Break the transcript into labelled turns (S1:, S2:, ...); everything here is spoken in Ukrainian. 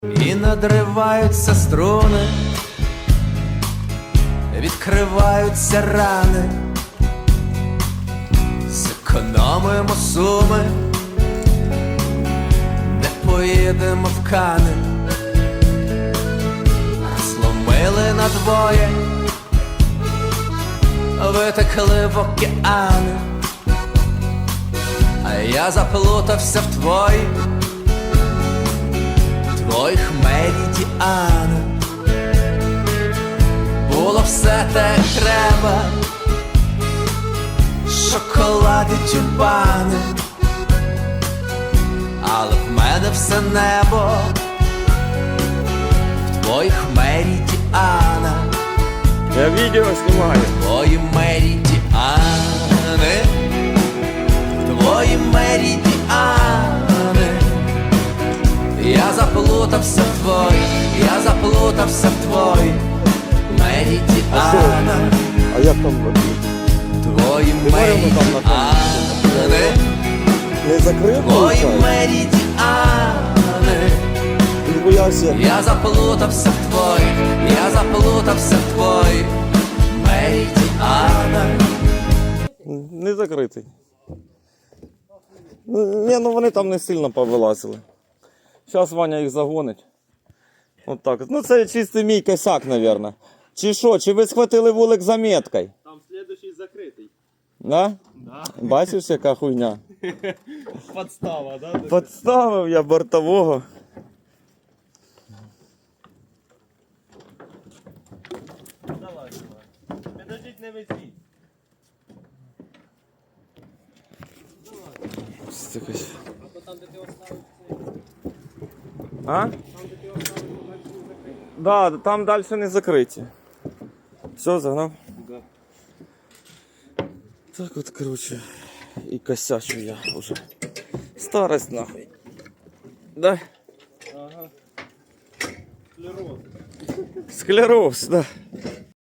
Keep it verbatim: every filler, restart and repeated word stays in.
S1: І надриваються струни, відкриваються рани, зекономимо суми, не поїдемо в Кани. Зломили надвоє, витекли в океани, а я заплутався в твої, твоїх меридіани. Було все те треба, шоколади, тюльпани, але в мене все небо в твоїх меридіанах.
S2: Я відео знімаю.
S1: Твої меридіани, твої меридіани. Я заплутався в твої, я заплутався в твої меридіани.
S2: А як там?
S1: Твої меридіани,
S2: Не закрив?
S1: твої меридіани.
S2: Він боявся.
S1: Я заплутався в твої, я заплутався в твої меридіани.
S2: Не закритий. Ні, ну вони там не сильно повилазили. Зараз Ваня їх загонить. От так. Ну це чистий мій косяк, мабуть. Чи що, чи ви схватили вулик за меткою?
S3: Там следующий закритий.
S2: Да?
S3: Да.
S2: Бачиш, яка хуйня?
S3: Подстава, да?
S2: Подставив я бортового.
S3: Давай, давай. Підождіть, не висіть. А то там, де ти оставив цей.
S2: А?
S3: Там, де ти оставив, то далі не закритий.
S2: Да, там далі не закриті. Все, загнав?
S3: Да.
S2: Так от, короче, і косячу я вже. Старость нахуй. Да?
S3: Ага. Склероз.
S2: Склероз, да.